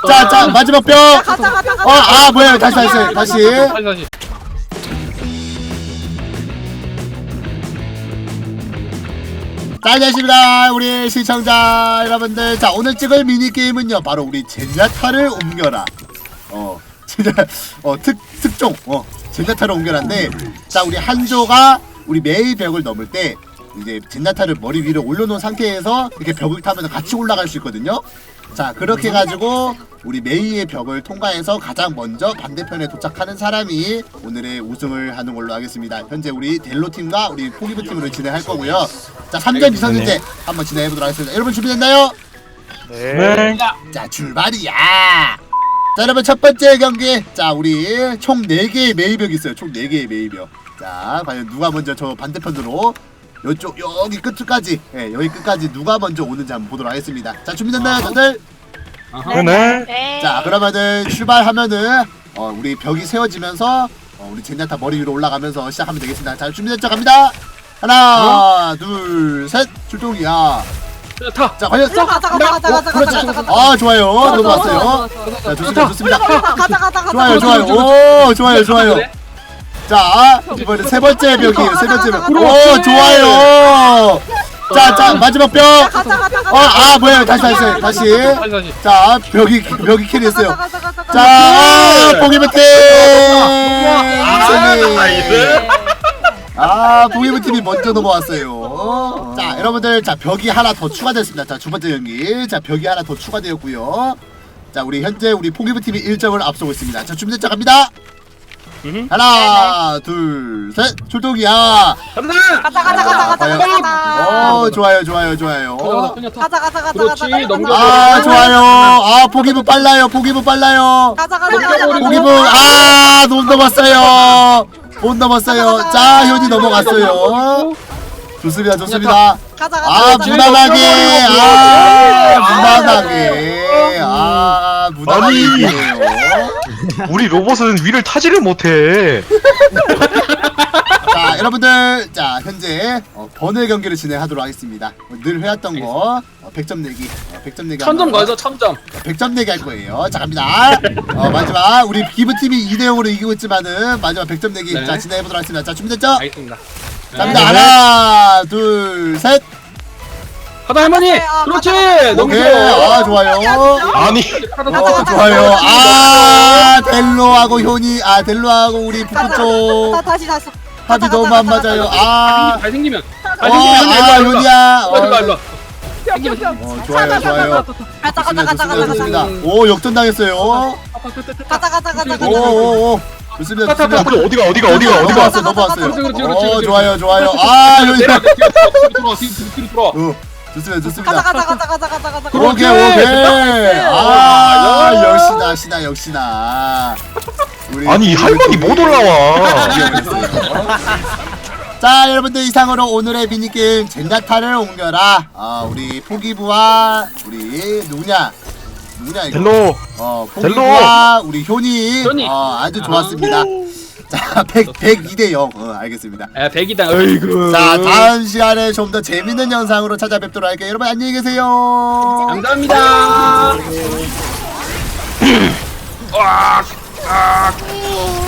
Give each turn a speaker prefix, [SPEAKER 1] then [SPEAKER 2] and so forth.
[SPEAKER 1] 자, 마지막 뼈. 뭐야, 다시.
[SPEAKER 2] 다시.
[SPEAKER 1] 자, 안녕하십니까 우리 시청자 여러분들. 자, 오늘 찍을 미니게임은요 바로 우리 젠야타를 옮겨라 진짜 특종 젠야타를 옮겨라인데, 자, 우리 한조가 우리 메이 벽을 넘을 때 이제 젠야타를 머리 위로 올려놓은 상태에서 이렇게 벽을 타면 같이 올라갈 수 있거든요. 자, 그렇게 해가지고 우리 메이의 벽을 통과해서 가장 먼저 반대편에 도착하는 사람이 오늘의 우승을 하는 걸로 하겠습니다. 현재 우리 델로팀과 우리 포기브 팀으로 진행할 거고요. 자, 3전 미성년제 한번 진행해보도록 하겠습니다. 여러분 준비됐나요?
[SPEAKER 3] 네.
[SPEAKER 1] 자, 출발이야. 자, 여러분 첫 번째 경기. 자, 우리 총 4개의 메이벽이 있어요. 총 4개의 메이벽. 자, 과연 누가 먼저 저 반대편으로 요쪽 여기 끝까지, 여기 끝까지 누가 먼저 오는지 한번 보도록 하겠습니다. 자, 준비됐나요, 다들?
[SPEAKER 3] 네.
[SPEAKER 1] 자, 그러면은 출발하면은 우리 벽이 세워지면서 우리 젠야타 머리 위로 올라가면서 시작하면 되겠습니다. 자, 준비됐죠? 갑니다. 하나, 둘, 셋, 출동이야.
[SPEAKER 2] 타.
[SPEAKER 1] 자, 과연
[SPEAKER 4] 가자.
[SPEAKER 1] 그렇지. 아, 좋아요. 넘어왔어요. 자, 좋습니다. 좋아요. 자, 이번에 세 번째 벽이에요. 세 번째 벽. 오, 좋아요. 자, 마지막 벽. 뭐야, 다시. 자, 벽이 캐리했어요. 자, 포기브 팀. 포기브 팀이 먼저 넘어왔어요. 자, 여러분들, 자, 벽이 하나 더 추가됐습니다. 자, 두 번째 경기. 자, 벽이 하나 더 추가되었고요. 자, 우리 현재 우리 포기브 팀이 1점을 앞서고 있습니다. 자, 준비됐죠? 갑니다. 하나, 둘, 셋, 출동이야.
[SPEAKER 4] 가자.
[SPEAKER 1] 좋아요.
[SPEAKER 4] 가자.
[SPEAKER 2] 그렇지, 넘겨.
[SPEAKER 1] 좋아요. 포기부 빨라요.
[SPEAKER 4] 가자.
[SPEAKER 1] 포기부, 못 넘었어요. 자, 현이 넘어갔어요. 좋습니다.
[SPEAKER 4] 가자.
[SPEAKER 1] 무난하게.
[SPEAKER 3] 우리 로봇은 위를 타지를 못해.
[SPEAKER 1] 자, 여러분들, 자, 현재 번외 경기를 진행하도록 하겠습니다. 늘 해왔던 거 100점 내기, 100점 내기.
[SPEAKER 2] 1000점 가자, 1000점.
[SPEAKER 1] 100점 내기 할 거예요. 자, 갑니다. 마지막 우리 기브팀이 2대0으로 이기고 있지만은 마지막 100점 내기.
[SPEAKER 2] 네.
[SPEAKER 1] 자, 진행해보도록 하겠습니다. 자, 준비됐죠?
[SPEAKER 2] 알겠습니다.
[SPEAKER 1] 갑니다. 하나, 둘, 셋.
[SPEAKER 2] 가다 할머니. 그렇지. 넘겨.
[SPEAKER 1] 오케이. 좋아요.
[SPEAKER 3] 아니,
[SPEAKER 1] 좋아요. 델로하고 우리 북부 쪽
[SPEAKER 4] 다시.
[SPEAKER 1] 합이 너무 안 맞아요.
[SPEAKER 2] 잘생기면.
[SPEAKER 1] 현이야.
[SPEAKER 2] 일로.
[SPEAKER 1] 좋아요. 좋습니다. 오, 역전당했어요.
[SPEAKER 4] 가자.
[SPEAKER 1] 오. 좋습니다.
[SPEAKER 3] 어디가?
[SPEAKER 1] 넘어왔어요.
[SPEAKER 2] 그렇지.
[SPEAKER 1] 좋아요. 현이야.
[SPEAKER 2] 뒤로 돌아.
[SPEAKER 1] 좋습니다.
[SPEAKER 4] 가자.
[SPEAKER 1] 오케이. 역시나.
[SPEAKER 3] 아니, 이 할머니 못 올라와.
[SPEAKER 1] 자, 여러분들, 이상으로 오늘의 미니게임 젠야타를 옮겨라. 우리 포기부와 우리 누구냐 이거?
[SPEAKER 3] 델로.
[SPEAKER 1] 포기부와 우리 효니. 아주 좋았습니다. 자, 102대 0. 알겠습니다.
[SPEAKER 2] 100이다. 어이구.
[SPEAKER 1] 자, 다음 시간에 좀 더 재밌는 영상으로 찾아뵙도록 할게요. 여러분, 안녕히 계세요.
[SPEAKER 2] 감사합니다.